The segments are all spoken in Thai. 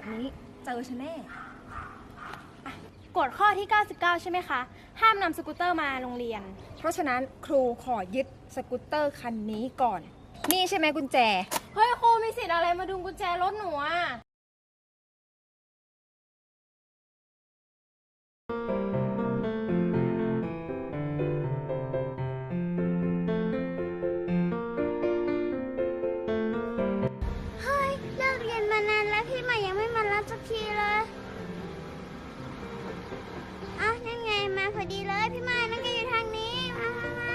นี้เจอฉันแน่กฎข้อที่ 99 ใช่ไหมคะ ห้ามนำสกูตเตอร์มาโรงเรียนเพราะฉะนั้นครูขอยึดสกูตเตอร์คันนี้ก่อน นี่ใช่ไหมกุญแจเฮ้ยครูมีสิทธิ์อะไรมาดึงกุญแจรถหนูอ่ะเฮ้ยเลิกเรียนมานานแล้วพี่ใหม่ยังไม่มารับสักทีเลยอ้าวนั่นไงมาพอดีเลยพี่ใหม่นั่นก็อยู่ทางนี้มา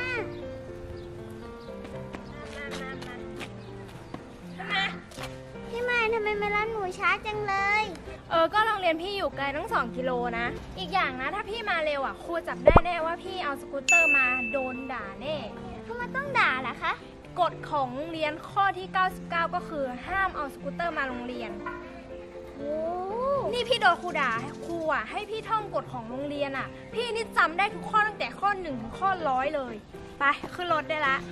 พี่ใหม่ทำไมมารับหนูช้าจังเลยก็โรงเรียนพี่อยู่ไกลตั้ง2 กิโลนะ อีกอย่างนะถ้าพี่มาเร็วอ่ะครูจับได้แน่ว่าพี่เอาสกูตเตอร์มาโดนด่าแน่ทำไมต้องด่าล่ะคะกฎของโรงเรียนข้อที่ 99 ก็คือห้ามเอาสกูตเตอร์มาโรงเรียนโอ้นี่พี่โดนครูด่าครูอ่ะให้พี่ท่องกฎของโรงเรียนอ่ะ พี่นี่จำได้ทุกข้อตั้งแต่ข้อ1ถึงข้อ100เลยไปขึ้นรถได้ละ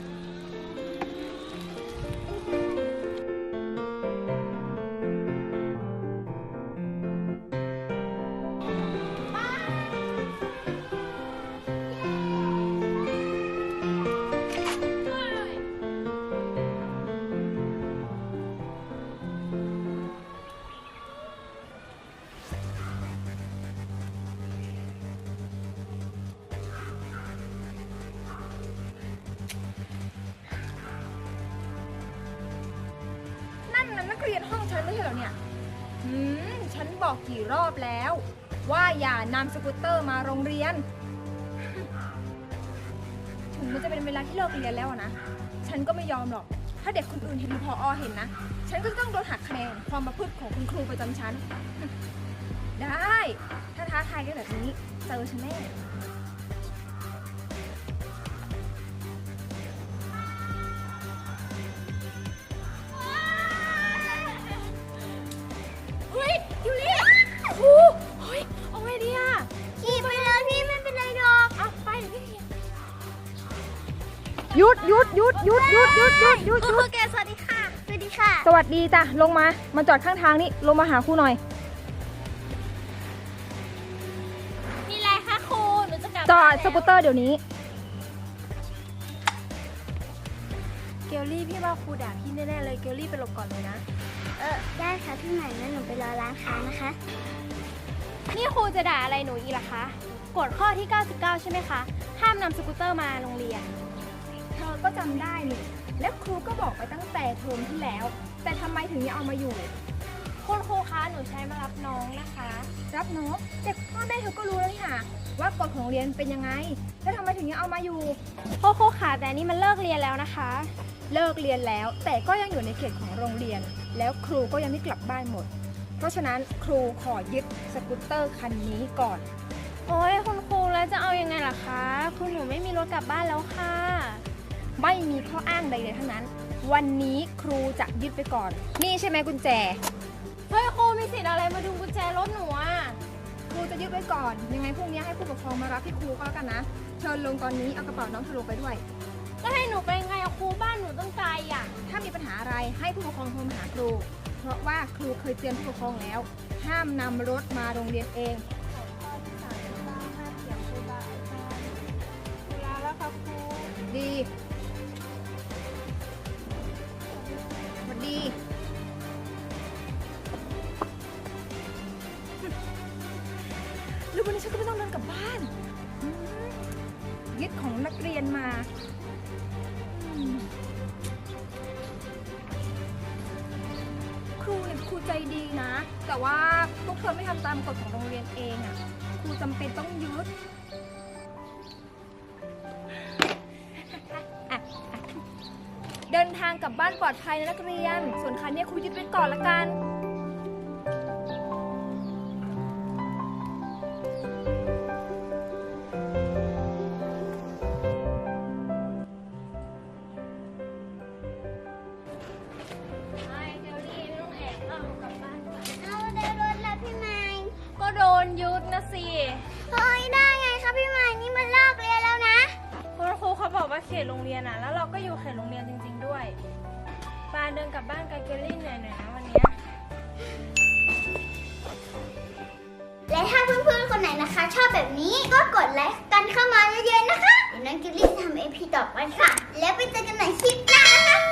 นั่นน่ะนักเรียนห้องฉันไม่ใช่เหรอเนี่ยฉันบอกกี่รอบแล้ว ว่าอย่านำสกูตเตอร์มาโรงเรียน ถึงมันจะเป็นเวลาที่เลิกเรียนแล้วอะนะ ฉันก็ไม่ยอมหรอก ถ้าเด็กคนอื่นเห็นหรือพอเห็นนะ ฉันก็ต้องโดนหักคะแนนความประพฤติของคุณครูประจำชั้น ได้ ถ้าท้าทายกันแบบนี้เจอฉันแน่เฮ้ยยูริครูเฮ้ยเอาไงดีอ่ะขี่ไปเลยพี่ไม่เป็นไรหรอกเอาไปเดี๋ยวพี่เขียนหยุดหยุดหยุดหยุดหยุดหยุดหยุดหยุดคหยุรูดแกสวัสดีค่ะสวัสดีค่ะสวัสดีจ้ะ ลงมา มาจอดข้างทางนี่ ลงมาหาครูหน่อยมีอะไรคะครูหนูจะกลับจอดบ้านสกูตเตอร์เดี๋ยวนี้เกลลี่พี่ว่าครูด่าพี่แน่ๆเลยเกลลี่ไปหลบก่อนเลยนะได้ค่ะพี่ใหม่งั้นหนูไปรอร้านค้านะคะนี่ครูจะด่าอะไรหนูอีกล่ะคะกฎข้อที่ 99 ใช่ไหมคะ ห้ามนำสกูตเตอร์มาโรงเรียนเธอก็จำได้นี่ และครูก็บอกไปตั้งแต่เทอมที่แล้ว แต่ทำไมถึงยังเอามาอยู่คุณครูคะหนูใช้มารับน้องนะคะรับน้องแต่พ่อแม่เธอก็รู้แล้วนี่ค่ะว่ากฎของโรงเรียนเป็นยังไง แล้วทำไมถึงยังเอามาอยู่ครูค่ะแต่นี่มันเลิกเรียนแล้วนะคะเลิกเรียนแล้ว แต่ก็ยังอยู่ในเขตของโรงเรียน แล้วครูก็ยังไม่กลับบ้านหมด เพราะฉะนั้นครูขอยึดสกูตเตอร์คันนี้ก่อนโอ้ยคุณครูแล้วจะเอายังไงล่ะคะคุณหนูไม่มีรถกลับบ้านแล้วค่ะไม่มีข้ออ้างใดๆทั้งนั้น วันนี้ครูจะยึดไปก่อน นี่ใช่ไหมกุญแจเฮ้ยครูมีสิทธิ์อะไรมาดึงกุญแจรถหนูอ่ะครูจะยึดไว้ก่อน ยังไงพรุ่งนี้ให้ผู้ปกครองมารับที่ครูก็แล้วกันนะ เชิญลงตอนนี้เอากระเป๋าน้องเธอลงไปด้วยแล้วให้หนูไปยังไงอะครูบ้านหนูต้องไกลอ่ะถ้ามีปัญหาอะไรให้ผู้ปกครองโทรมาหาครู เพราะว่าครูเคยเตือนผู้ปกครองแล้ว ห้ามนำรถมาโรงเรียนเอง ดีสวัสดีแล้ววันนี้ฉันก็ไม่ต้องเดินกลับบ้านยึดของนักเรียนมาครูเนี่ยครูใจดีนะ แต่ว่าพวกเธอไม่ทำตามกฎของโรงเรียนเองอ่ะ ครูจำเป็นต้องยึด เดินทางกลับบ้านปลอดภัยนะนักเรียน ส่วนคันนี้ครูยึดไว้ก่อนละกันไม่เกลลี่ไม่ต้องแอบเอากลับบ้านก่อนเอาได้รถแล้วพี่ใหม่ก็โดนยึดนะสิเฮ้ยได้ไงคะพี่ใหม่นี่มันเลิกเรียนแล้วนะคุณครูเขาบอกว่าเขตโรงเรียนอ่ะ แล้วเราก็อยู่เขตโรงเรียนจริงๆด้วยปาเดินกลับบ้านกับเกลลี่หน่อยๆนะวันเนี้ยและถ้าเพื่อนๆคนไหนนะคะ ชอบแบบนี้ก็กดไลค์กันเข้ามาเยอะๆนะคะเดี๋ยวน้องกิลลี่จะทำ AP ต่อไปค่ะ แล้วไปเจอกันใหม่คลิปหน้านะคะ